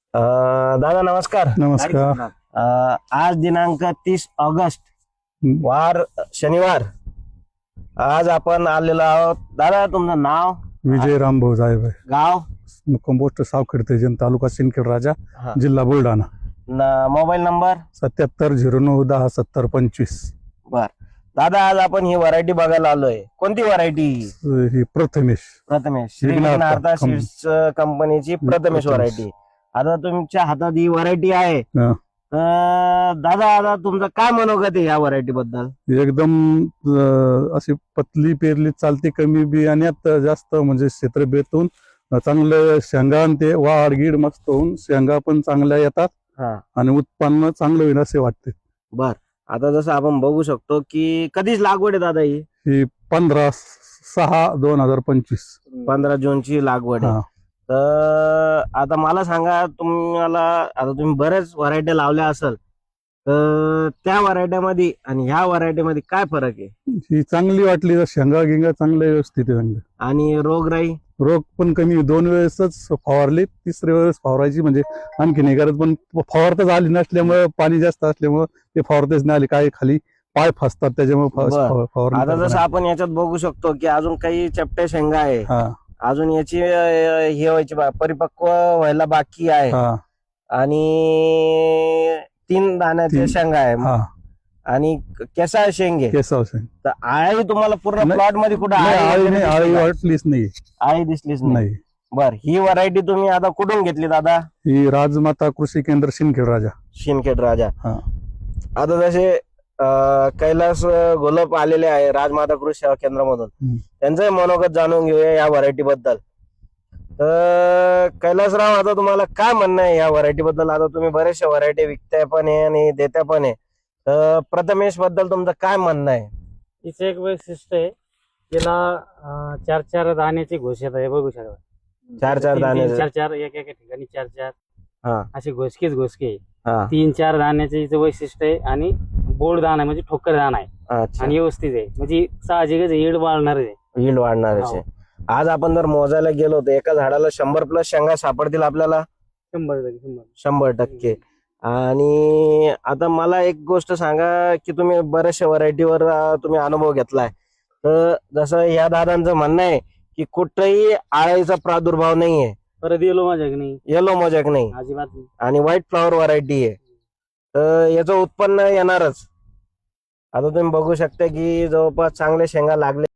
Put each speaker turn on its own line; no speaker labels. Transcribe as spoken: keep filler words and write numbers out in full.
अ, दादा नमस्कार.
नमस्कार.
अ, आज दिनांक तीस ऑगस्ट
हं.
वार शनिवार. आज आपण आलेलो आहोत. दादा तुमचं नाव,
विजय रामभाऊ जायभाई,
गाव,
कंपोस्ट सावखेड तेजन, तालुका सिंदखेड राजा,
हा.
जिल्हा बुलढाणा.
न- मोबाईल नंबर.
सत्याहत्तर झिरो नऊ दहा सत्तर पंचवीस.
बर दादा, आज आपण ही व्हरायटी बघायला आलोय. कोणती व्हरायटी?
ही प्रथमेश
प्रथमेश, श्री
विघ्नार्थ
विघ्नार्थ
कंपनी.
सीड्स कंपनीची प्रथमेश
प्रथमेश.
व्हरायटी. आता तुमच्या हातात ही व्हरायटी आहे.
हा.
तर दादा आता तुमचं काय मनोगत आहे या व्हरायटी बद्दल?
एकदम अं, अशी पतली पेरली चालते, कमी बियाण्यात जास्त म्हणजे क्षेत्र बेतून चांगलं शेंगा आणि ते वाढ गीड मस्त होऊन शेंगा पण चांगल्या येतात
हा.
आणि उत्पन्न चांगलं होईल असे वाटते.
बर, आता जसं आपण बघू शकतो की कधीच लागवड आहे दादा ही?
ही पंधरा सहा दोन हजार पंचवीस
पंधरा जूनची लागवड आहे.
हा.
तर आता मला सांगा, तुम्हाला आता तुम्ही बरेच व्हरायटी लावल्या असेल, तर त्या व्हरायटीमध्ये आणि ह्या व्हरायटीमध्ये काय फरक आहे?
ही चांगली वाटली, शेंगा गिंगा चांगल्या व्यवस्थित आहे चांगलं.
आणि रोगराई?
रोग पण कमी, दोन वेळेसच फवारली, तिसऱ्या वेळेस फवारायची म्हणजे आणखी नाही करत, पण फवारताच आली नसल्यामुळे पाणी जास्त असल्यामुळे ते फवारतेच नाही आली, काही खाली पाय फसतात त्याच्यामुळे फ-
बरं.
फव- फवारणी
आता
करता
जसं
नाही.
आपण याच्यात बघू शकतो की अजून काही चपटे शेंगा आहे,
हा
अजून याची अं, हे व्हायची बा- परिपक्व व्हायला बाकी आहे.
हा
आणि तीन दाण्याचे
तीन.
शेंगा आहे
हा
आणि केसा शेंगे.
केसाव शेंग.
तर आळी तुम्हाला पूर्ण
नाही.
प्लॉट मध्ये कुठं
नाही,
आळी
आळी
वगैरे
नाही,
दिसली
आळी
का?
वाटलीच नाही.
आळी दिसलीच नाही.
नाही,
बर, ही व्हरायटी तुम्ही आता कुठून घेतली दादा?
ही राजमाता कृषी केंद्र सिंदखेड राजा.
शिनखेड राजा.
हा.
आता जसे अं, कैलास घोलप आलेले आहे राजमाता कृषी सेवा केंद्रामधून,
हम्म.
त्यांचंही मनोगत जाणून घेऊया या व्हरायटी बद्दल. तर कैलासराव, आता तुम्हाला काय म्हणणं आहे या व्हरायटी बद्दल? आता तुम्ही बरेचशा व्हरायटी विकताय पण आहे आणि देत्या पण आहे, तर प्रथमेश बद्दल तुमचं काय म्हणणं आहे?
तिचं एक वैशिष्ट्य आहे, तिला अं, चार चार दाण्याची घोषित आहे, बघू शकता.
चार चार
तीन-
दाणे?
तीन चार चार एक एका ठिकाणी चार चार
हा.
अशी घोषकीच घोषकी आहे.
हा.
तीन चार दाण्याचे हिचं वैशिष्ट्य आहे आणि बोर्ड दाणा म्हणजे ठोकर दाणा आहे
अच्छा.
आणि व्यवस्थित आहे, म्हणजे साहजिकच येड वाढणार आहे.
यील्ड वाढणारच आहे. आज आपण जर मोजायला गेलो तर एका झाडाला शंभर प्लस शेंगा सापडतील आपल्याला,
शंभर टक्के शंभर
शंभर टक्के. आणि आता मला एक गोष्ट सांगा की तुम्ही बऱ्याचशा व्हरायटीवर तुम्ही अनुभव घेतलाय, तर जसं या दादांचं म्हणणं आहे की कुठेही आळीचा प्रादुर्भाव नाहीये,
परत येलो माझ्या नाही,
येलो मोजॅक नाही,
अजिबात नाही.
आणि व्हाईट फ्लॉवर व्हरायटी आहे, तर याचं उत्पन्न येणारच. आता तुम्ही बघू शकता की जवळपास चांगले शेंगा लागले.